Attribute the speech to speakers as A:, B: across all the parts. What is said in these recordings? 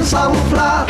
A: ซ้ำพลาด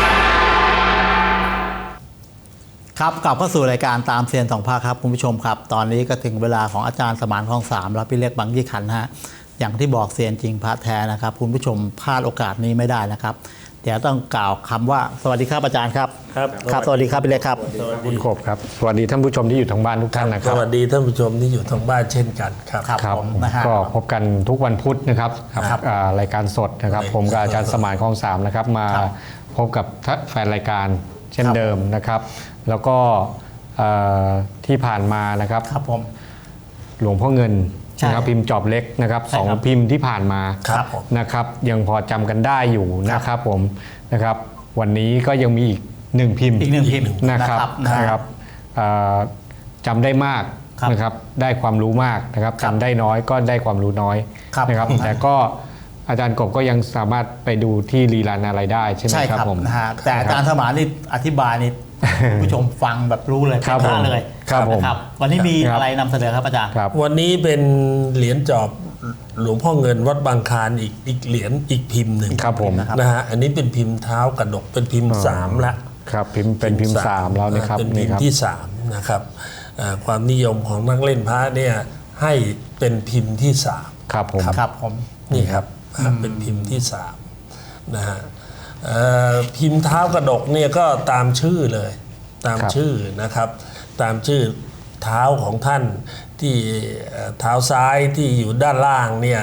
B: ครับกลับเข้าสู่รายการตามเซียนสองภาคครับคุณผู้ชมครับตอนนี้ก็ถึงเวลาของอาจารย์สมานคลองสามและพี่เล็กบางยี่ขันธ์ฮะอย่างที่บอกเซียนจริงพระแท้นะครับคุณผู้ชมพลาดโอกาสนี้ไม่ได้นะครับเดี๋ยวต้องกล่าวคำว่าสวัสดีครับอาจารย์ครับครับสวัสดีครับพี่เล็กครับ
C: คุณขบครับสวัสดีท่านผู้ชมที่อยู่ทางบ้านทุกท่านนะครับ
D: สวัสดีท่านผู้ชมที่อยู่ทางบ้านเช่นกันครับ
B: ครับ
C: ก็พบกันทุกวันพุธนะครับรายการสดนะครับผมกับอาจารย์สมานคลองสามนะครับมาพบกับแฟนรายการเช่นเดิมนะครับแล้วก็ที่ผ่านมานะครับหลวงพ่อเงินนะครับพิมพ์จอบเล็กนะครับ2 พิมพ์ที่ผ่านมานะครับยังพอจำกันได้อยู่นะครับผมนะครับวันนี้ก็ยังมีอีก1 พิมพ์นะครับจำได้มากนะครับได้ความรู้มากนะครับจำได้น้อยก็ได้ความรู้น้อยนะครับแต่ก็อาจารย์กบก็ยังสามารถไปดูที่รีลันอะไรได้ใช่ไหมครับผม
B: แต่อาจารย์สมานนี่อธิบายนี่ผู้ชมฟังแบบรู้เลย
C: ครับ
B: เลยครับวันนี้มีอะไรนำเสนอครับอาจารย์
D: วันนี้เป็นเหรียญจอบหลวงพ่อเงินวัดบางคลานอีกเหรียญอีกพิมพ์หนึ่ง
C: ครับผม
D: นะฮะอันนี้เป็นพิมพ์เท้ากระดกเป็นพิมพ์3ละ
C: ครับเป็นพิมพ์3แล้วนะครับ
D: เป็นพิมพ์ที่3นะครับความนิยมของนักเล่นพระเนี่ยให้เป็นพิมพ์ที่3
C: ครับ
D: ผมนี่ครับเป็นพิมพ์ที่3นะฮะพิมพ์เท้ากระดกเนี่ยก็ตามชื่อเลยตามชื่อนะครับตามชื่อเท้าของท่านที่เท้าซ้ายที่อยู่ด้านล่างเนี่ย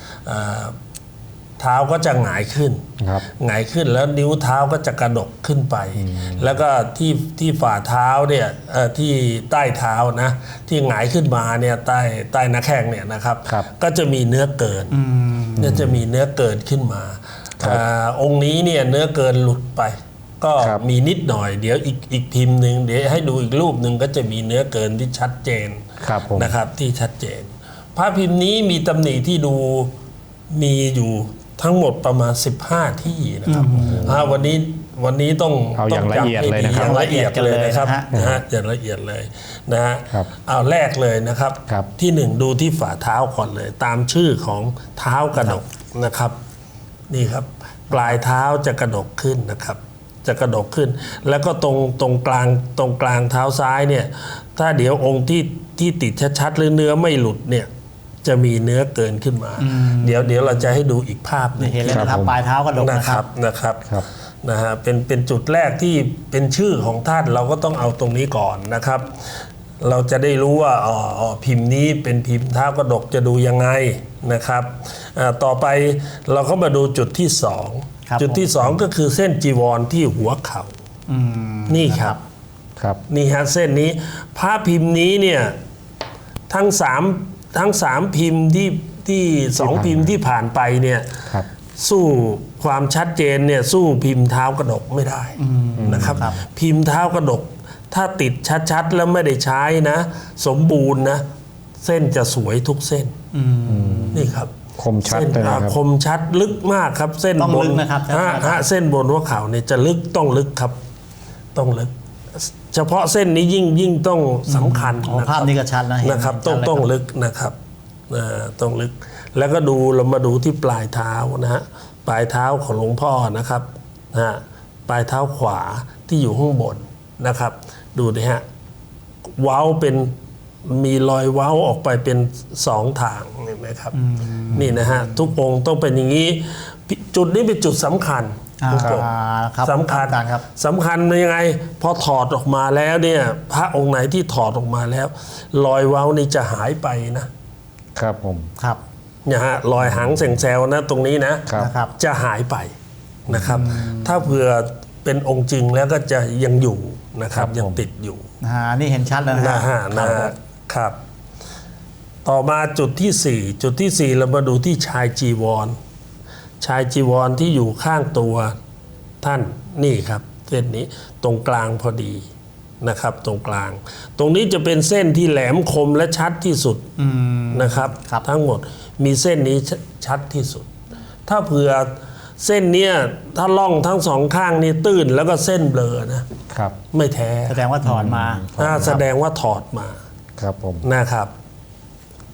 D: เท้าก็จะหงายขึ้นแล้วนิ้วเท้าก็จะกระดกขึ้นไปแล้วก็ที่ฝ่าเท้าเนี่ยที่ใต้เท้านะที่หงายขึ้นมาเนี่ยใต้หน้าแข้งเนี่ยนะครับก็จะมีเนื้อเกินเนี่ยจะมีเนื้อเกินขึ้นมาองค์นี้เนี่ยเนื้อเกินหลุดไปก็มีนิดหน่อยเดี๋ยวอีกพิมพ์หนึ่งเดี๋ยวให้ดูอีกรูปหนึ่งก็จะมีเนื้อเกินที่ชัดเจนนะครับที่ชัดเจนพระพิมพ์นี้มีตำหนิที่ดูมีอยู่ทั้งหมดประมาณ15ที่นะครับวันนี้ต้อง
C: เอาอย่างละเอียดเลยนะครับ
D: อย่างละเอียดเลยนะครับอย่างละเอียดเลยนะฮะเอาแรกเลยนะครับที่1ดูที่ฝ่าเท้าก่อนเลยตามชื่อของเท้ากระดกนะครับนี่ครับปลายเท้าจะกระดกขึ้นนะครับจะกระดกขึ้นแล้วก็ตรงกลางเท้าซ้ายเนี่ยถ้าเดี๋ยวองค์ที่ติดชัดๆหรือเนื้อไม่หลุดเนี่ยจะมีเนื้อเกินขึ้นมาเดี๋ยวเราจะให้ดูอีกภาพนึง
B: เห็นเลยนะครับปลายเท้ากระดก
D: นะครับนะฮะเป็นจุดแรกที่เป็นชื่อของท่านเราก็ต้องเอาตรงนี้ก่อนนะครับเราจะได้รู้ว่าพิมพ์นี้เป็นพิมพ์เท้ากระดกจะดูยังไงนะครับต่อไปเราก็มาดูจุดที่2จุดที่2ก็คือเส้นจีวรที่หัวเข่านี่ครับนี่ฮะเส้นนี้พระพิมพ์นี้เนี่ยทั้ง3พิมพ์ที่2พิมพ์ที่ผ่านไปเนี่ยสู้ความชัดเจนเนี่ยสู้พิมพ์เท้ากระดกไม่ได้นะครับพิมพ์เท้ากระดกถ้าติดชัดๆแล้วไม่ได้ใช้นะสมบูรณ์นะเส้นจะสวยทุกเส้นนี่ครับ
C: คมชัดเลยนะครับ
D: คมชัดลึกมากครับเส้นบน
B: นะครับ
D: เส้นบนหัวเข่าเนี่ยจะลึกต้องลึกครับต้องลึกเฉพาะเส้นนี้ยิ่งต้องสำคัญ
B: ภาพนี้ก็ชัด
D: นะครับต้องลึกนะครับต้องลึกแล้วก็เรามาดูที่ปลายเท้านะฮะปลายเท้าของหลวงพ่อนะครับปลายเท้าขวาที่อยู่ข้างบนนะครับดูนะฮะเว้าเป็นมีรอยเว้าออกไปเป็น2ทางเห็นไหมครับนี่นะฮะทุกองค์ต้องเป็นอย่างนี้จุดนี้เป็นจุดสำคัญสำคัญยังไงพอถอดออกมาแล้วเนี่ยพระองค์ไหนที่ถอดออกมาแล้วรอยเว้านี่จะหายไป
C: นะครับผม
D: เนี่ยฮะรอยหางแสงแซวนะตรงนี้นะจะหายไปนะครับถ้าเผื่อเป็นองค์จริงแล้วก็จะยังอยู่นะครับยังติดอยู่
B: นี่เห็นชัดแล้ว
D: นะครับต่อมาจุดที่4เรามาดูที่ชายจีวรที่อยู่ข้างตัวท่านนี่ครับเส้นนี้ตรงกลางพอดีนะครับตรงกลางตรงนี้จะเป็นเส้นที่แหลมคมและชัดที่สุดนะครับทั้งหมดมีเส้นนี้ชัดที่สุดถ้าเผื่อเส้นเนี้ยถ้าล่องทั้ง2ข้างนี่ตื้นแล้วก็เส้นเบลอนะครับไม่แท้
B: แสดงว่าถอดมา
D: แสดงว่าถอดมา
C: ครับผม
D: นะครับ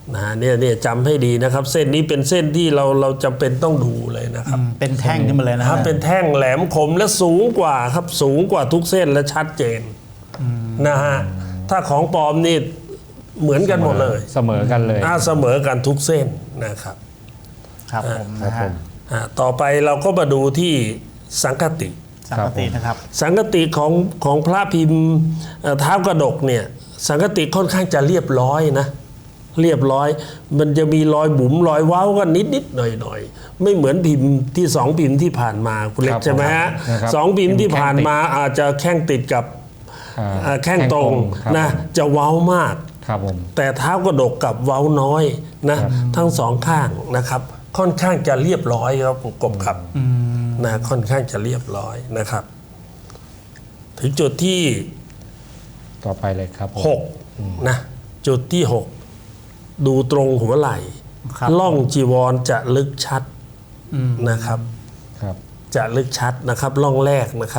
D: เนี่ยจำให้ดีนะครับ เส้นนี้เป็นเส้นที่เราจำเป็นต้องดูเลยนะครับ
B: เป็นแท่งขึ้นมาเลยนะ
D: ค
B: ฮะ
D: รับเป็นแท่งแหลมคมและสูงกว่าครับสูงกว่าทุกเส้นและชัดเจนนะฮะถ้าของปลอมนี่เหมือนกันหมดเลย
C: เสมอกันเลย
D: เสมอกันทุกเส้นนะครับ
B: ครับผม
C: ครับ
B: นะ
C: ผ
B: ฮะ
C: ม
D: ต่อไปเราก็มาดูที่สังคติ
B: สังกตินะครับ
D: สังคติของพระพิมพ์เท้ากระดกเนี่ยสังคติค่อนข้างจะเรียบร้อยนะเรียบร้อย มันจะมีรอยบุ๋มรอยเว้ากันนิดหน่อยไม่เหมือนพิมพ์ที่สองพิมพ์ที่ผ่านมาคุณเล็
C: ครั
D: ก
C: บ
D: ใช่ไหมฮะ
C: นะครับ
D: สองพิมพ์ที่ผ่านมาอาจจะแข้งติดกับแข้งตรง
C: ครับ
D: นะจะเว้ามาก
C: ครับผม
D: แต่เท้ากระดกกับเว้าน้อยนะทั้งสองข้างนะครับ ค่อนข้างจะเรียบร้อยครับกบครับนะค่อนข้างจะเรียบร้อยนะครับ ถึงจุดที่
C: ต่อไปเลยครับผม
D: 6นะจุดที่ 6 ดูตรงหัวไหล่
B: ครับ
D: ล่องจีวรจะลึกชัดนะครับ
C: ครับ
D: จะลึกชัดนะครับล่องแรกนะครับ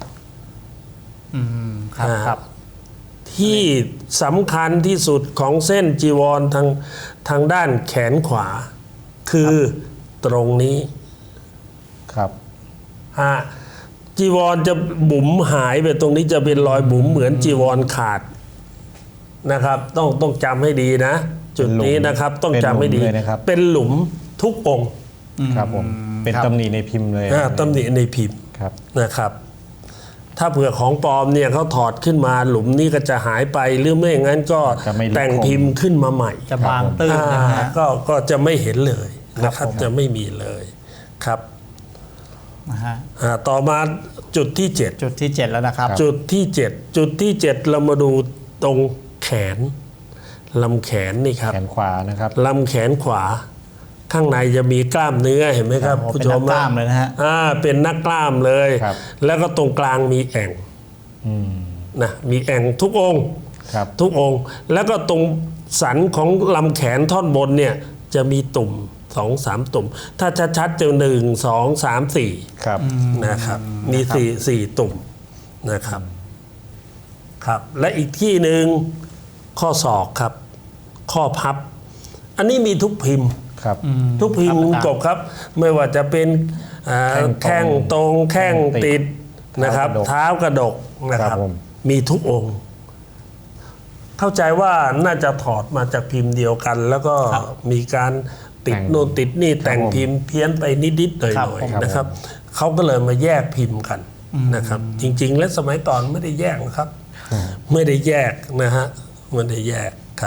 B: ครับครับ
D: ที่สำคัญที่สุดของเส้นจีวรทางด้านแขนขวา คือตรงนี้
C: ครับ
D: จีวรจะบุ๋มหายไปตรงนี้จะเป็นรอยบุ๋มเหมือนจีวรขาดนะครับ ต้องจำให้ดีนะ จุดนี้นะครับ ต้องจำให้ดี
C: เป็นหลุมเลยนะครับ
D: เป็นหลุมทุกองค์
C: ครับผมเป็น
B: ครับ
C: ตำหนิในพิมพ์เลย
D: ตำหนิในพิมพ์
C: ครับ
D: นะครับ ถ้าเผื่อของปลอมเนี่ยเขาถอดขึ้นมาหลุมนี้ก็จะหายไปหรือไม่อย่างนั้นก็
C: จะไม่ลึก
D: แต่งพิมพ์ขึ้นมาใหม่
B: จะบางตื้นนะฮะ
D: ก็จะไม่เห็นเลยนะครับ
B: ผม
D: จะไม่มีเลยครับ
B: นะฮะ
D: ต่อมาจุดที่ 7
B: จุดที่ 7 แล้วนะครับ
D: จุดที่ 7 จุดที่ 7 เรามาดูตรงแขนลำแขนนี่ครับ
C: แขนขวานะครับ
D: ลำแขนขวา ข้างในจะมีกล้ามเนื้อเห็นไหมครับ
B: ครับ
D: ผู้ชม
B: เป็นนักกล้ามเลยนะฮะ
D: เป็นนักกล้ามเลย
C: ครับ
D: แล้วก็ตรงกลางมีแอ่ง
C: อืม
D: นะมีแอ่งทุกองค์
C: ครับ
D: ทุกองค์ แล้วก็ตรงสันของลำแขนท่อนบนเนี่ยจะมีตุ่ม 2-3 ตุ่ม ถ้าชัดๆจะ1 2 3 4
C: ครับ
D: นะครับมีสี่ตุ่มนะครับครับ และอีกที่หนึ่งข้อศอกครับ ข้อพับ อันนี้มีทุกพิมพ์
C: ครับ
D: ทุกพิมพ์
B: ครับ
D: กบครับ ไม่ว่าจะเป็นแข้งตรงแข้งติดนะครับ เท้ากระดกนะค
C: ครั
D: รั
C: บบ ผม
D: มีทุกองค์ เข้าใจว่าน่าจะถอดมาจากพิมพ์เดียวกัน แล้วก็มีการติดโน่นติดนี่แต่งพิมพ์เพี้ยนไปนิดๆหน่
B: ครับ
D: อย
B: ผม
D: ๆนะครับเขาก็เลยมาแยกพิมพ์กันนะครับ จริง ๆ และสมัยก่อนไม่ได้แยกนะครับ ไม่ได้แยกนะฮะไม่ได้แยกครับ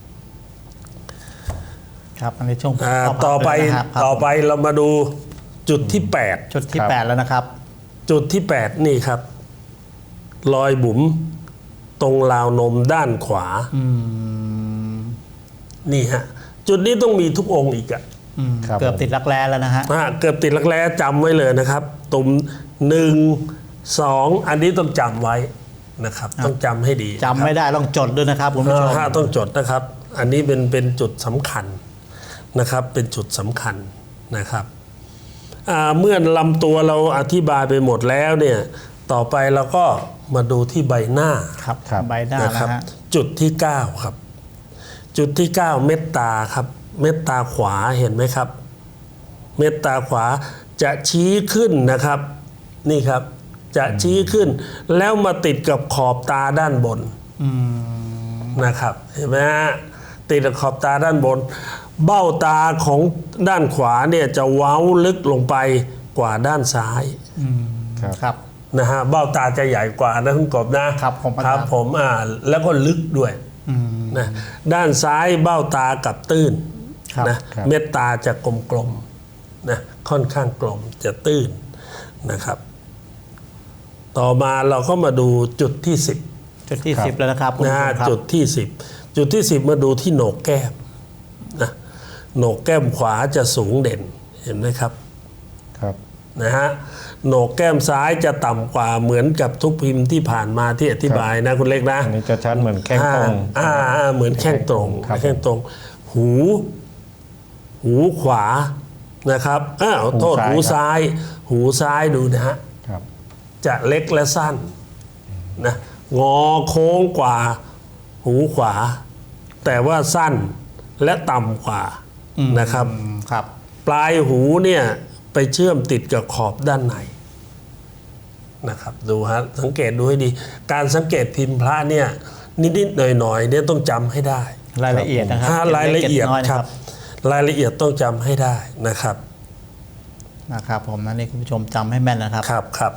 B: ครับอันนี้ช่วง
D: ต่อไป
B: นะครับ
D: ต่อไปเรามาดูจุดที่
B: จุดที่
C: ครับ
B: 8 แล้วนะครับ
D: 8 จุดที่ 8 นี่ครับ รอยบุ๋มตรงราวนมด้านขวานี่ฮะจุดนี้ต้องมีทุกองค์อีกอะ
C: ครับ
B: เกือบติดรักแร้แล้วนะฮะ
D: เกือบติดลักแร้จำไว้เลยนะครับ ตุ่ม1 2 อันนี้ต้องจำไว้นะครับ ต้องจำให้ดี
B: จำไม่ได้ต้องจดด้วยนะครับคุณผู้ชม
D: ต้องจดนะครับ อันนี้เป็นจุดสำคัญนะครับ เป็นจุดสำคัญนะครับเมื่อลำตัวเราอธิบายไปหมดแล้วเนี่ยต่อไปเราก็มาดูที่ใบหน้า
B: ครับ
C: ครับ
B: ใบหน้า
D: นะ
B: นะ
D: ครับ
B: ฮะ
D: จุดที่ 9 ครับ จุดที่ 9 เม็ดตาครับ เม็ดตาขวาเห็นไหมครับ เม็ดตาขวาจะชี้ขึ้นนะครับ นี่ครับ จะชี้ขึ้น แล้วมาติดกับขอบตาด้านบนนะครับ เห็นไหมฮะติดกับขอบตาด้านบน เบ้าตาของด้านขวาเนี่ยจะเว้าลึกลงไปกว่าด้านซ้าย
C: ครับ
B: ครับ
D: นะฮะเบ้าตาจะใหญ่กว่านะคุณกบนะครับ
B: ผม
D: ครับผมแล้วก็ลึกด้วยนะด้านซ้ายเบ้าตากับตื้น
B: ครับ
D: นะครับ เม็ดตาจะกลมๆนะค่อนข้างกลมจะตื้นนะครับ ต่อมาเราก็มาดูจุดที่ 10
B: จุดที่
C: ครับ
B: 10 แล้วนะครับคุณ
D: นะ
B: ผู้ช
D: ฮะ
B: มครับ
D: จุดที่ 10 จุดที่ 10 มาดูที่โหนกแก้มนะโหนกแก้มขวาจะสูงเด่นเห็นไหมครับ
C: ครับ
D: นะฮะโหนกแก้มซ้ายจะต่ำกว่าเหมือนกับทุกพิมพ์ที่ผ่านมาที่อธิบายนะคุณเล็กนะ
C: อันนี้จะชัดเหมือนแข้งตรง
D: เหมือนแข้งตรง
C: ครับ
D: แข้งตรง หูขวานะครับโทษหูซ้าย หูซ้ายดูนะฮะ
C: ครับ
D: จะเล็กและสั้นนะงอโค้งกว่าหูขวา แต่ว่าสั้นและต่ำกว่านะครับ
B: ครับ
D: ปลายหูเนี่ยไปเชื่อมติดกับขอบด้านในนะครับดูฮะสังเกตดูให้ดี การสังเกตพิมพ์พระเนี่ยนิดๆหน่อยๆเนี่ยต้องจำให้ได้
B: รายละเอียดนะครับ
D: รายละเอียด
B: ก็บน้
D: ครับรายละเอียดต้องจำให้ได้นะครับ
B: นะครับผมนั่นนี่คุณผู้ชมจำให้แม่นนะครับ
D: ครับ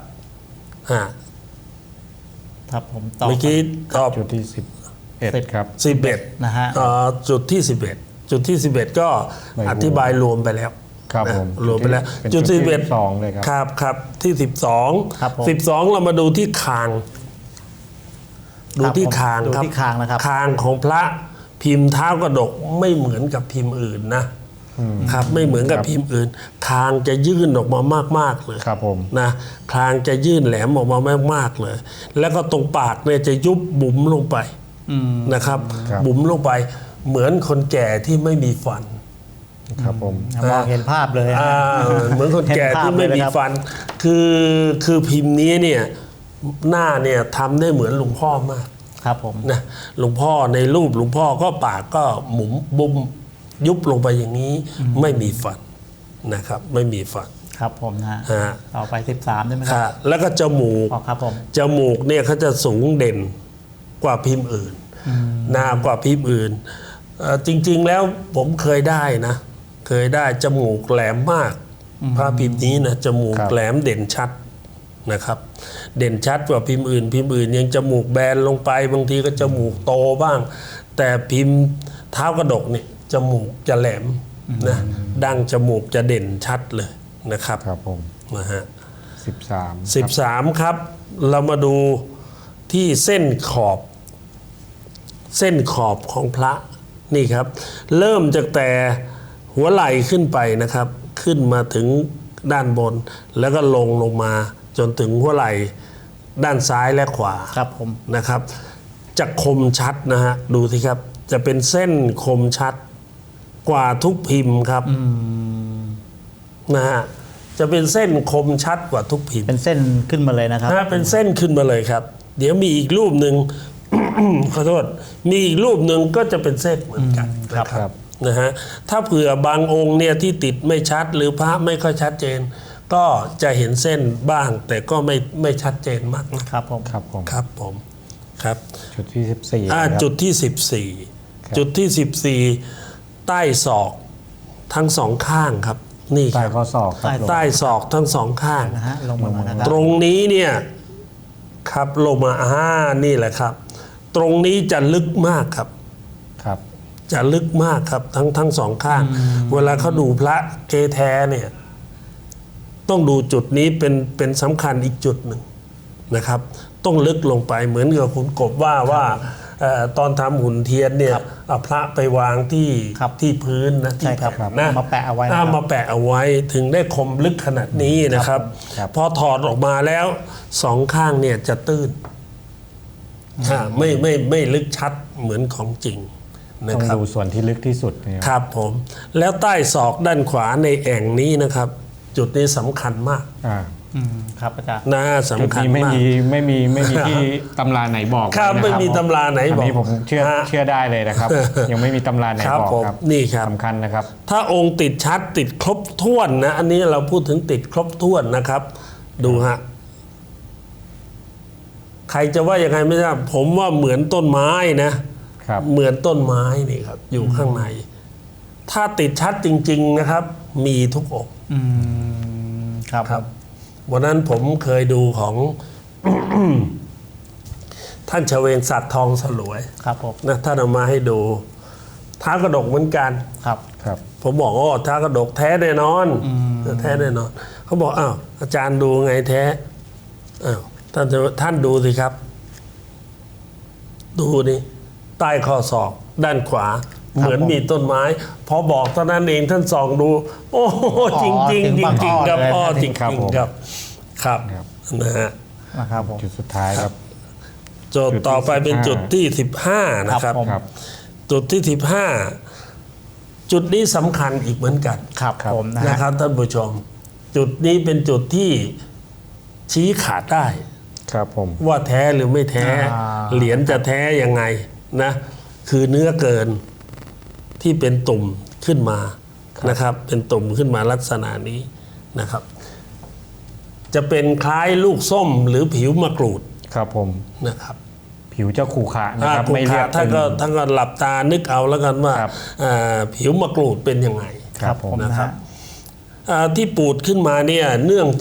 B: ครับผมตอบ
D: เมื่อกี้ตอบ
C: จุดที่11ครับ
D: 11
B: นะฮะ
D: จุดที่ 11 จุดที่ 11 ก็
C: ไม่รู้
D: อธิบายรวมไปแล้ว
C: ครับ
D: นะ
C: ผม
D: รวมไปแล้ว
C: เป็นจุดที่12เลยครับ
D: ครับที่
B: ครับผม
D: 12เรามาดูที่คาง ดูที่คาง
B: ดู
D: ครับ
B: ที่คางนะครับ
D: คางของพระพิมพ์เท้ากระดกไม่เหมือนกับพิมพ์อื่นนะครับไม่เหมือนกับพิมพ์อื่น คางจะยื่นออกมามากๆเลย
C: ครับผม
D: นะคางจะยื่นแหลมออกมามากๆเลย แล้วก็ตรงปากเนี่ยจะยุบบุ๋มลงไปนะครับ
C: ครับ
D: บุ๋มลงไปเหมือนคนแก่ที่ไม่มีฟัน
C: ครับผม
B: มองเห็นภาพเลย
D: เหมือนคนแก่ที่ไม่มีฟัน คือพิมพ์นี้เนี่ยหน้าเนี่ยทำได้เหมือนหลวงพ่อมาก
B: ครับผม
D: นะหลวงพ่อในรูปหลวงพ่อก็ปากก็หมุนบุมยุบลงไปอย่างนี้ไม่มีฟันนะครับ ไม่มีฟัน
B: ครับผมนะฮะ
D: ฮะ
B: ต่อไป13ได้ไหมค
D: ค่ะ
B: รับ
D: แล้วก็จมูก
B: อ๋อครับผม
D: จมูกเนี่ยเขาจะสูงเด่นกว่าพิมพ์อื่นหนากว่าพิมพ์อื่นจริงๆแล้วผมเคยได้นะ เคยได้จมูกแหลมมากพระพิมพ์นี้นะจมูก
C: ครับ
D: แหลมเด่นชัดนะครับ เด่นชัดกว่าพิมพ์อื่น พิมพ์อื่นยังจมูกแบนลงไปบางทีก็จมูกโตบ้าง แต่พิมพ์เท้ากระดกเนี่ยจมูกจะแหลมนะดั้งจมูกจะเด่นชัดเลยนะครับ
C: ครับผม
D: นะฮะ
C: 13
D: 13 ครับ เรามาดูที่เส้นขอบ เส้นขอบของพระนี่ครับ เริ่มจากแต่หัวไหล่ขึ้นไปนะครับ ขึ้นมาถึงด้านบน แล้วก็ลงมาจนถึงหัวไหล่ด้านซ้ายและขวา
B: ครับผม
D: นะครับจะคมชัดนะฮะดูสิครับ จะเป็นเส้นคมชัดกว่าทุกพิมพ์ครับนะฮะจะเป็นเส้นคมชัดกว่าทุกพิมพ์
B: เป็นเส้นขึ้นมาเลยนะครับ
D: เป็นเส้นขึ้นมาเลยครับ เดี๋ยวมีอีกรูปหนึ่ง ขอโทษมีอีกรูปหนึ่งก็จะเป็นเส้นเหมือนกัน
B: ครับ
D: นะครับนะฮะถ้าเผื่อบางองค์เนี่ยที่ติดไม่ชัดหรือพระไม่ค่อยชัดเจน ก็จะเห็นเส้นบ้าง แต่ก็ไม่ชัดเจนมากนะครับ
B: ผม
C: ครับผม
D: ครับผมครับ
C: จุดที่14ครับ
D: จุดที่ 14 จุดที่ 14 ใต้ศอกทั้งสองข้างครับนี่ค
C: ใต้
D: รับ
C: ข้อศอกครับ
D: ใต้ศอกทั้งสองข้าง
B: นะฮะลงมานะครั
D: ตรงนี้เนี่ยครับลงมานี่แหละครับ ตรงนี้จะลึกมากครับ
C: ครับ
D: จะลึกมากครับทั้งสองข้าง เวลาเขาดูพระเกแท้เนี่ยต้องดูจุดนี้เป็นสำคัญอีกจุดหนึ่งนะครับ ต้องลึกลงไปเหมือนกับคุณกบว่าตอนทำหุ่นเทียนเนี่ยเอาพระไปวางที่พื้นนะที่
B: ใช่ครับ
D: แผ่นนะ
B: เอามาแปะเอาไว้นะครับ
D: มาแปะเอาไว้ถึงได้คมลึกขนาดนี้นะครับ
C: ครับ
D: พอถอดออกมาแล้วสองข้างเนี่ยจะตื้นไม่ลึกชัดเหมือนของจริงนะ
C: ต้อง
D: ครับ
C: ดูส่วนที่ลึกที่สุดเนี่ย
D: ครับผมแล้วใต้ศอกด้านขวาในแอ่งนี้นะครับ จุดนี้สำคัญมาก
B: ครับอาจารย์
D: นะ
C: จุด
D: สำคัญ
C: นี้ไม่
D: มาก
C: มีที่ตำราไหนบอก
D: ครับ
C: เลยนะ
D: ไม่มีตำราไหนบอก
C: นนี้ผมเชื่อได้เลยนะครับ ยังไม่มีตำราไหน
D: ครับ
C: บอก
D: ผม
C: ครับ
D: นี่ครับ
C: สำคัญนะครับ
D: ถ้าองค์ติดชัดติดครบถ้วนนะอันนี้เราพูดถึงติดครบถ้วนนะครับ ดูฮะใครจะว่ายังไงไม่ทราบผมว่าเหมือนต้นไม้นะครับ เหมือนต้นไม้นี่ครับ อยู่ข้างใน ถ้าติดชัดจริง ๆนะครับ มีทุกองค์
B: ครับ
D: ครับวันนั้นผมเคยดูของ ท่านชเวงศักดิ์ทองสลวย
B: ครับผม
D: นะท่านเอามาให้ดูท้ากระดกเหมือนกัน
B: ครับ
C: ครับ
D: ผมบอกโอ้ท้ากระดกแท้แน่นอนแท้แน่นอนเขาบอกอ้าวอาจารย์ดูไงแท้อ้าวท่านดูสิครับ ดูนี่ใต้ข้อศอกด้านขวา เหมือนมีต้นไม้ พอบอกเท่านั้นเองท่านส่องดู โอ้โหจริงจริงจริงครับอ้อจริงครับครับนะฮะ
B: นะครับผม
C: จุดสุดท้ายครับ
D: จุดต่อไปเป็นจุดที่ 15 นะครับ
B: ผม
C: ครับ
D: จุดที่ 15 จุดนี้สำคัญอีกเหมือนกัน
B: ครับผมนะ
D: นะ
B: ฮะ
D: ครับท่านผู้ชม จุดนี้เป็นจุดที่ชี้ขาดได้
C: ครับผม
D: ว่าแท้หรือไม่แท้ เหรียญจะแท้ยังไงนะ คือเนื้อเกินที่เป็นตุ่มขึ้นมานะครับ เป็นตุ่มขึ้นมาลักษณะนี้นะครับ จะเป็นคล้ายลูกส้มหรือผิวมะกรูด
C: ครับผม
D: นะครับ
C: ผิวจะขรุขระนะครับ
D: ขรุ
C: ไม่
D: ข
C: เรีย
D: ระ
C: บ
D: ท่านก็
C: เป็น
D: ท่านก็หลับตานึกเอาแล้วกันว่า
C: ครับ
D: ผิวมะกรูดเป็นยังไง
C: ครับผม
B: นะ
D: นะค
B: ค
D: รั
B: รับ บ
D: ที่ปูดขึ้นมาเนี่ยเนื่อง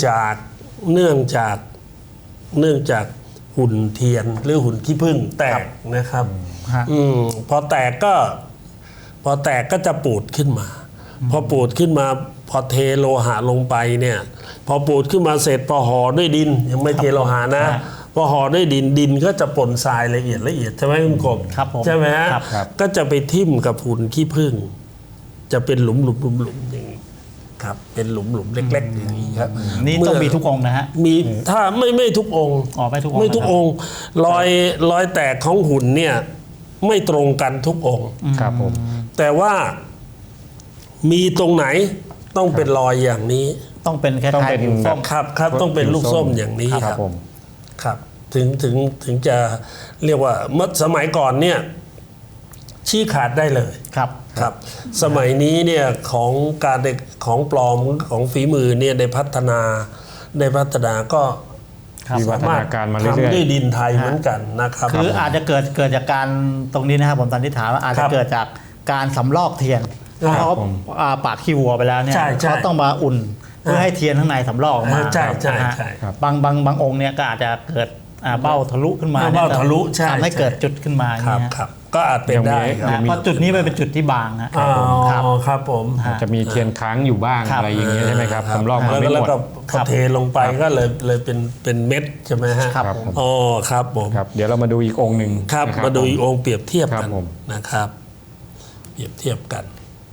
D: จากหุ่นเทียนหรือหุ่นขี้ผึ้งแตกนะครับ
B: ฮะ
D: พอแตกก็จะปูดขึ้นมา พอปูดขึ้นมาพอเทโลหะลงไปเนี่ย พอปูดขึ้นมาเสร็จพอห่อด้วยดินยังไม่เทโลหะนะ พอห่อด้วยดินก็จะปนทรายละเอียดใช่ไหมคุณกบ
B: ครับผม
D: ใช่ไหมฮะ
B: ครับ
D: ก็จะไปทิ่มกับหุ่นขี้ผึ้งจะเป็นหลุมอย่างนี้ครับ เป็นหลุมเล็กๆอย่างนี้ครับ
B: นี่ต้องมีทุกองค์นะฮะ
D: มีถ้าไม่ทุกองค์
B: อ๋อไม่ทุกองค์
D: ไม่ทุกองค์รอยแตกของหุ่นเนี่ยไม่ตรงกันทุกองค์
C: ครับผม
D: แต่ว่ามีตรงไหนต้องเป็นรอยอย่างนี้
B: ต้องเป็นคล้
C: ต้อง
B: าย
C: เป็น
B: ๆผิวส้ม
D: ครับต้องเป็นลูกส้มอย่างนี้
C: ค
D: ค
C: รั
D: รั
C: บบ ผม
D: ครับถึงจะเรียกว่าเมื่อสมัยก่อนเนี่ยชี้ขาดได้เลย
B: ครับ
D: ครับ สมัยนี้เนี่ยของปลอมของฝีมือเนี่ยได้พัฒนาก็
B: ครับ
C: มีวัฒนาการมาเรื่อย
D: ทำด้วยดินไทยเหมือนกันนะครับ
B: คืออาจจะเกิดจากการตรงนี้นะครับผมสันนิษฐานว่าอาจ
D: ค
B: จะ
D: รับ
B: เกิดจากการสำลอกเทียนเพราะเขาปาดขี้วัวไปแล้วเนี่ย
D: ใช่
B: เขาต้องมาอุ่นเพื่อให้เทียนข้างในสำลอกออกมา
D: ใช่ใช่
B: นะฮะ
D: ใช่
B: บางองค์เนี่ยก็อาจจะเกิดเบ้าทะลุขึ้นมา
D: เบ้าทะลุใช่
B: ทำให้
D: ใช่
B: เกิดจุดขึ้นมาอย่าง
D: ครับ
B: เงี้ย
D: ครับก็อาจเป็นได้ค
B: นะ
D: รับ
B: เพราะจุดนี้มันเป็นจุดที่บางฮะ
D: อ๋อ
B: ครับ
D: ครับผม
B: ฮะ
C: จะมีเทียนค้างอยู่บ้าง
B: ครับ
C: อะไรอย่างเงี้ยใช่ไหมครับสำรองมาไม่
D: แล้ว
C: หมด
D: ก็พอเทลงไปก็เลยเป็นเม็ดใช่ไหมฮะ
B: ครับ
C: ผม
D: อ๋อครับผม
C: ครับเดี๋ยวเรามาดูอีกองค์หนึ่ง
D: ครับ
C: นะ
D: มาดูอีกองค์เปรียบเทียบ
C: ครั
D: กับ น
C: ผม
D: นะครับ เปรียบเทียบกัน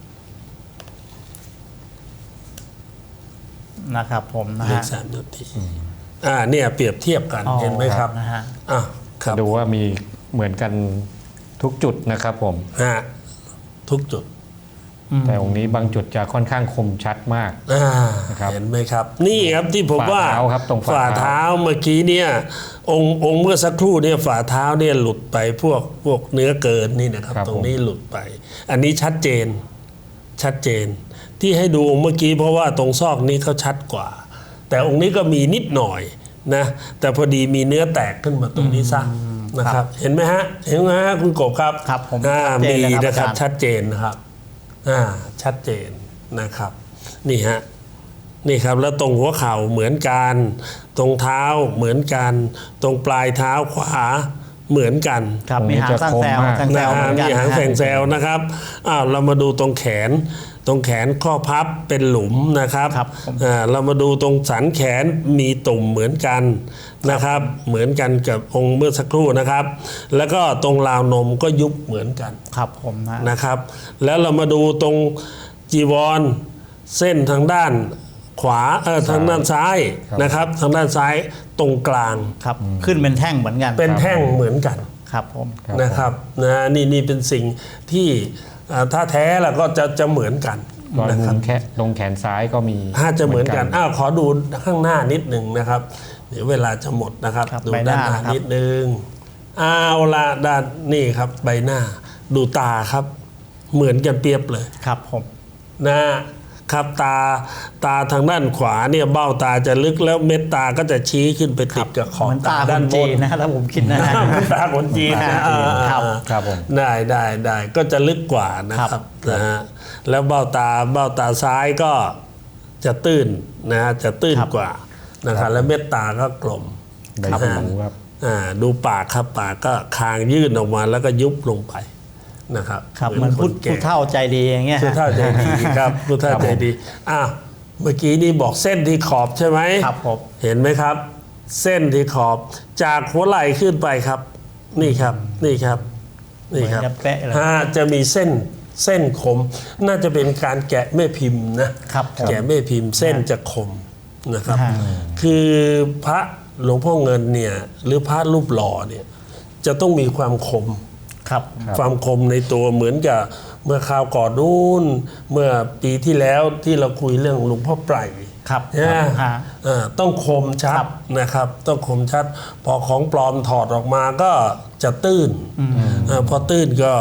B: นะครับผมนะ
D: เลข
B: ฮะ
D: 3 นาทีเนี่ยเปรียบเทียบกัน
B: อ๋อ
D: เห็นไหมครับ
B: นะฮะ
D: ครับ
C: ดูว่ามีเหมือนกันทุกจุดนะครับผม
D: ฮะทุกจุด
C: แต่องค์นี้บางจุดจะค่อนข้างคมชัดมาก นะครับ
D: เห็นไหมครับ นี่ครับที่ผมว่า
C: ฝ่าเท้าครับตรงฝ่า
D: ฝ่าเท้าเมื่อกี้เนี่ยองค์เมื่อสักครู่เนี่ยฝ่าเท้าเนี่ยหลุดไปพวกเนื้อเกินนี่นะครับ ตรงนี้หลุดไป อันนี้ชัดเจน ที่ให้ดูองค์เมื่อกี้เพราะว่าตรงซอกนี้เขาชัดกว่า แต่องค์นี้ก็มีนิดหน่อยนะแต่พอดีมีเนื้อแตกขึ้นมาตรงนี้ซะนะครับ เห็นไหมฮะคุณกบครับ
B: ครับผม
D: มี
B: ชัดเจนเลยครับ
D: นะครับ
B: อาจารย์
D: ชัดเจนนะครับชัดเจนนะครับ นี่ฮะนี่ครับแล้วตรงหัวเข่าเหมือนกันตรงเท้าเหมือนกันตรงปลายเท้าขวาเหมือนกัน
B: ครับ
C: ตรงนี้
B: มีหางสั้นแซว
C: จะคมมาก
B: สั้นแซวเหมือนกัน
D: มีหาง
B: นะฮะ
D: แสงแซวนะครับเรามาดูตรงแขนข้อพับเป็นหลุมนะครับ
B: ครับผม
D: เรามาดูตรงสันแขนมีตุ่มเหมือนกันนะครับ เหมือนกันกับองค์เมื่อสักครู่นะครับ แล้วก็ตรงราวนมก็ยุบเหมือนกัน
B: ครับผมนะ
D: นะครับ แล้วเรามาดูตรงจีวรเส้นทางด้านขวาทางด้านซ้ายนะครับ ทางด้านซ้ายตรงกลาง
B: ครับขึ้นเป็นแท่งเหมือนกัน
D: เป็นแท่งเหมือนกัน
B: ครับผม
D: นะครับนี่เป็นสิ่งที่ถ้าแท้แล้วก็จะเหมือนกัน
C: รอย
D: นะค
C: มุ
D: รับ
C: มแค่ตรงแขนซ้ายก็มี
D: จะเหมือนกันขอดูข้างหน้านิดหนึ่งนะครับ เดี๋ยวเวลาจะหมดนะครับ
B: ครับ
D: ดู
B: ใบห
D: ด้า
B: น้าน
D: หน้า
B: นะครับ
D: นิดนึงละด้านนี่ครับใบหน้าดูตาครับ เหมือนกันเปรียบเลย
B: ครับผม
D: นะครับตาทางด้านขวาเนี่ยเบ้าตาจะลึกแล้วเม็ดตาก็จะชี้ขึ้นไปติดกับขอบ
B: เหมือนตา
D: ตา
B: ค
D: ด้าน
B: น
D: บ
B: จี
D: น
B: นนะถ้าผมคิดนะฮะ
D: เหมือนตาคนจีนนะ
B: ครับ
C: ครับผม
D: ได้ก็จะลึกกว่านะครับนะฮะแล้วเบ้าตาซ้ายก็จะตื้นนะฮะจะตื้นกว่านะครับแล้วเม็ดตาก็กลม
C: ใบ
D: นะ
C: หู
D: ฮะ
C: ครับ
D: ดูปากครับปากก็คางยื่นออกมาแล้วก็ยุบลงไปนะครับ
B: ครับเหมัน
D: ค
B: ผู้
D: แก่
B: เฒ่าใจดีอย่างเงี้ย
D: ผู้
B: ฮะ
D: เฒ่าใจดีครับผู้เฒ่าใจดีเมื่อกี้นี่บอกเส้นที่ขอบใช่ไหม
B: ครับผม
D: เห็นไหมครับ เส้นที่ขอบจากหัวไหล่ขึ้นไปครับ นี่ครับ
B: เหมือนจะเป๊ะเลย
D: จะมีเส้นคม น่าจะเป็นการแกะแม่พิมพ์นะครับ
B: ผม
D: แกะแม่พิมพ์เส้นจะคมนะครับ
B: ฮะ
D: คือพระหลวงพ่อเงินเนี่ยหรือพระรูปหล่อเนี่ยจะต้องมีความคม
B: ครับ
D: ความคมในตัวเหมือนกับเมื่อคราวก่อนนู้นเมื่อปีที่แล้วที่เราคุยเรื่องหลวงพ่อไพร
B: ครับ
D: นะ
B: ฮะ
D: ต้องคมชั
B: ครั
D: ด
B: บ
D: นะครับ ต้องคมชัด พอของปลอมถอดออกมาก็จะตื้นพอตื้นก็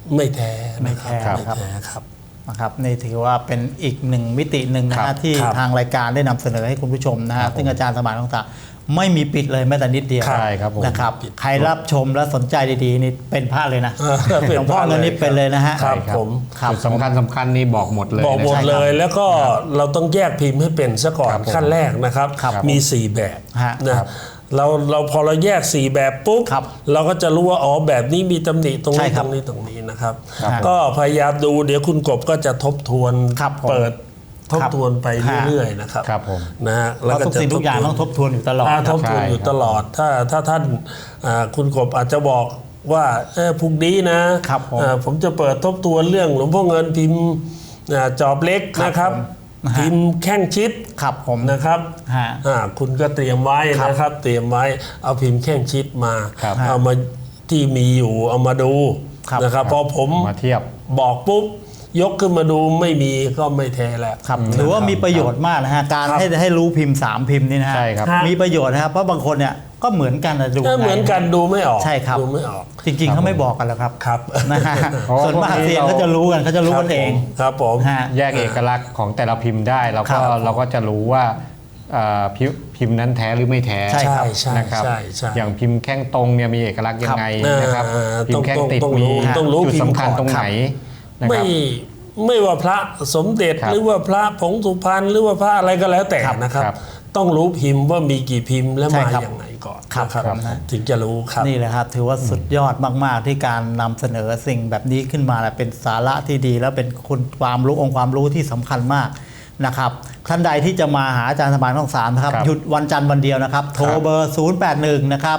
D: ไม่แท้
B: ไม่แท้
D: นะครับ
B: ครับ
D: ไม่แท้ครับ
B: นะครับนี่ถือว่าเป็นอีกหนึ่งมิติหนึ่งนะ
C: ครั
B: ฮะ
C: บ
B: ที่
D: ครับ
B: ทางรายการได้นำเสนอให้คุณผู้ชมนะฮะซึ่งอาจารย์สมานคงศักดิ์ไม่มีปิดเลยแม้แต่นิดเดียว
C: ใช่ครับผม
B: นะครับใครรับชมและสนใจดีๆนี่เป็นพระเลยนะ
D: เป็น
B: หลวงพ่อ
D: พระเลย
B: เงินนี่เป็นเลยนะฮะ
D: ครับ
C: ใช่
D: ผม
B: ครับ
C: จุดสำคัญนี่บอกหมดเลย
D: บอกหมด
C: นะค
D: เล
C: รับ
D: ยแล้วก็เราต้องแยกพิมพ์ให้เป็นซะก่อน
C: ครับผม
D: ขั้นแรกนะครับ
B: ครับ
D: มี 4 แบบ
B: ฮะ
D: นะครับ เราพอเราแยก 4 แบบปุ๊บ
B: ครับ
D: เราก็จะรู้ว่าอ๋อแบบนี้มีตำหนิตรง
B: ใช่
D: นี้
B: ครั
D: ต
B: บ
D: รงนี้ตรงนี้นะครับ
B: ครับ
D: ก็พยายามดูเดี๋ยวคุณกบก็จะทบทวน
B: ครับผม
D: เปิดทบ
B: ครับ
D: ทวนไป
B: ฮะ
D: เรื่อยๆนะครับ
C: ครับผม
D: นะฮะ
B: เพราะทุกสิ่งทุกอย่างต้องทบทวนอยู่ตลอด
D: ทบทวนอยู่ตลอดถ้าท่านคุณกบอาจจะบอกว่าพรุ่งนี้นะครับ
B: ผม
D: ผมจะเปิดทบทวนเรื่องหลวงพ่อเงินพิมพ์จอบเล็ก
B: ครับ
D: นะครับ
B: ผมนะฮะ
D: พิมพ์แข้งชิด
B: ครับผม
D: นะครับ
B: ฮะ
D: คุณก็เตรียมไว้
B: ครับ
D: นะครับ เตรียมไว้เอาพิมพ์แข้งชิดมา
C: ครับ
D: เอามาที่มีอยู่เอามาดู
B: ครับ
D: นะครับพอผม
C: มาเทียบ
D: บอกปุ๊บยกขึ้นมาดูไม่มีก็ไม่แท้แล้ว
B: ครับถือว่ามีประโยชน์มากนะฮะการ
D: ครับ
B: ให้รู้พิมพ์3พิมพ์นี่นะฮะ
C: ใช่ครับ
B: มีประโยชน์นะครับเพราะบางคนเนี่ยก็เหมือนกันนะดู
D: เหมือนกันดูไม่ออก
B: ใช่ครับ
D: ดูไม่ออก
B: จริงๆเขาไม่บอกกันแล้วครับ
D: ครับ
B: นะฮะ
C: เพราะว่า
B: ส่วนมาก
C: พวกนี้
B: เซียนเขาจะรู้กันเขาจะรู้กันเอง
D: ครับผม
B: ฮะ
C: แยกเอกลักษณ์ของแต่ละพิมพ์ได้เรา
B: ครั
C: ก็
B: บ
C: เราก็จะรู้ว่าพิมพ์นั้นแท้หรือไม่แท้
B: ใช่ครับ
D: ใช่
C: นะครับ
D: ใช่ใช่
C: อย่างพิมพ์แข้งตรงเนี่ยมีเอกลักษณ์ยังไงนะครับ พิมพ์แข้งติด
D: ต้อง
C: มี
D: รู้
C: จุด
D: พิมพ์
C: สำคัญ
D: ก่อน
C: ตรงไหนนะค
D: ไม่
C: รับ
D: ไม่ว่าพระสมเด็จ
C: ครับ
D: หรือว่าพระผงสุพรรณหรือว่าพระอะไรก็แล้วแต่
B: ครับ
D: นะครับ
C: ครับ
D: ต้องรู้พิมพ์ว่ามีกี่พิมพ์และ
B: ใช่
D: มา
B: ครับ
D: อย่างไหนก่อน
B: ครับ
D: นะครับ
B: ครับ
D: ถึงจะรู้ครับ
B: นี่แหละครับถือว่าสุดยอดมาก ๆ ที่การนำเสนอสิ่งแบบนี้ขึ้นมาและเป็นสาระที่ดี และเป็นคุณความรู้องค์ความรู้ที่สำคัญมากนะครับท่านใดที่จะมาหาอาจารย์สมานคงสามนะครับ
C: ครับ
B: หยุดวันจันทร์วันเดียวนะครับ โทรเบอร์ 081 นะครับ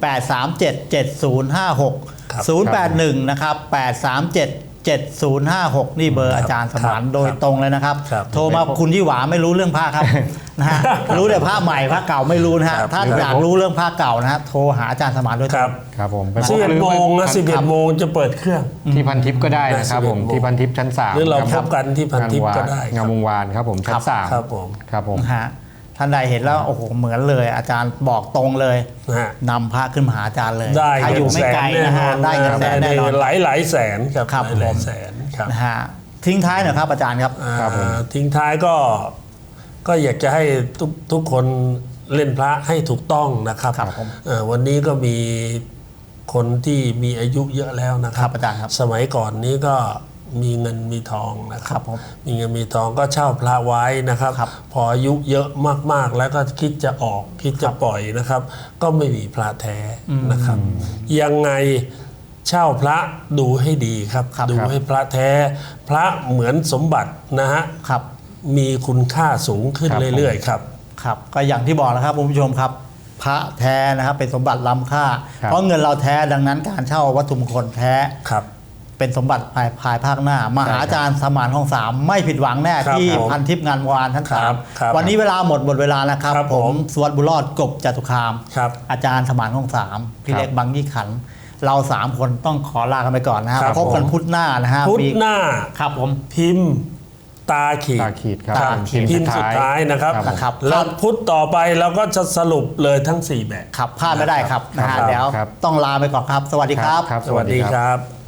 B: 837 7056
D: ครับ
B: 081 นะครับ 837 7056 นี่เบอร์อาจารย์สมาน
D: ครับ
B: โดยตรงเลยนะครับ
D: ครับ
B: โทรมาคุณยี่หวาไม่รู้เรื่องผ้าครับ นะฮะรู้แต่ผ้าใหม่ผ้าเก่าไม่รู้นะฮะ
D: ครับ
B: ถ้าอยากรู้เรื่องผ้าเก่านะฮะโทรหาอาจารย์สมานโดยต
D: ค
B: ร
D: รั
B: ง
D: บ
C: ครับผมไปพบ
D: 11 โมงนะ
C: หรือ
D: 11 โมงจะเปิดเครื่อง
C: ที่พันทิปก็ได้นะครับผม
D: 11
C: ที่พันทิปชั้น3
D: หรือเราพบกันที่พันทิปก็ได้ครับ
C: งามวงวานครับผมชั้นสาม
D: ครับผม
C: ครับผม
B: นะฮะท่านใดเห็นแล้วโอ้โหเหมือนเลย อาจารย์บอกตรงเลย
D: นะฮะ
B: นำพระขึ้นมาหาอาจารย์เลย
D: ได้
B: ถ้าอยู่ไม่ไกลนะฮะได้เงินแสนแน่นอน
D: หลายแสนครับ
B: ครับ
D: หลาย
B: ผม
D: แสนครับ
B: นะฮะทิ้งท้ายหน่อยครับอาจารย์ครับ
C: ครับผม
D: ทิ้งท้ายก็อยากจะให้ทุกคนเล่นพระให้ถูกต้องนะครับ
B: ครับผม
D: วันนี้ก็มีคนที่มีอายุเยอะแล้วนะค
B: ครั
D: รั
B: บบ อาจารย์ครับ
D: สมัยก่อนนี้ก็มีเงินมีทองนะค
B: ครั
D: รั
B: บบ ผม
D: มีเงินมีทองก็เช่าพระไว้นะครับ
B: ครับ
D: พออายุเยอะมากๆ แล้วก็คิดจะออกคิดจะปล่อยนะครับ ก็ไม่มีพระแท้นะครับ ยังไงเช่าพระดูให้ดีครับ
B: ครับ
D: ดูให้พระแท้ พระเหมือนสมบัตินะฮะ
B: ครับ
D: มีคุณค่าสูงขึ้น
C: ครับ
D: เรื่อยๆครับ
B: ครับก็อย่างที่บอกนะครับคุณผู้ชมครับ พระแท้นะครับเป็นสมบัติล้ำค่า
C: ครับ
B: เพราะเงินเราแท้ดังนั้นการเช่าวัตถุมงคลแท้
D: ครับ
B: เป็นสมบัติภายภาคหน้า มาหาอาจารย์สมานคงสามไม่ผิดหวังแน่
D: ครับ
B: ที่
D: ผม
B: พันทิพย์งานวานทั้ง
D: ครั
B: สาม
D: บครับ
B: วันนี้เวลาหมดเวลานะครับ
D: ครับ
B: ผ
D: ผม ม
B: สวัสดิ์บุญรอดกบจตุคาม
D: ครับ
B: อาจารย์สมานคงสามพี่
C: ครับ
B: เล็กบางยี่ขันธ์เรา3 คนต้องขอลากันไปก่อนนะครับ
D: ครับ
B: พบกัน
D: ผม
B: พุธหน้านะฮะ
D: พุธ
B: ปี
D: หน้า
B: ครับผม
D: พิมพ์ตาขีด
C: ตาขีดครับ
B: ตาขีด
D: พิมพ์สุดท้ายนะครับ
B: ครับ
D: แล้วพุธต่อไปเราก็จะสรุปเลยทั้ง 4 แบบ
B: ขับพลาดไม่ได้ครับนะฮะ
D: ครับ
B: เดี๋ยว
C: ครับ
B: ต้องลาไปก่อนครับ สวัสดีครับ
C: ครับ
D: สวัสดีครับ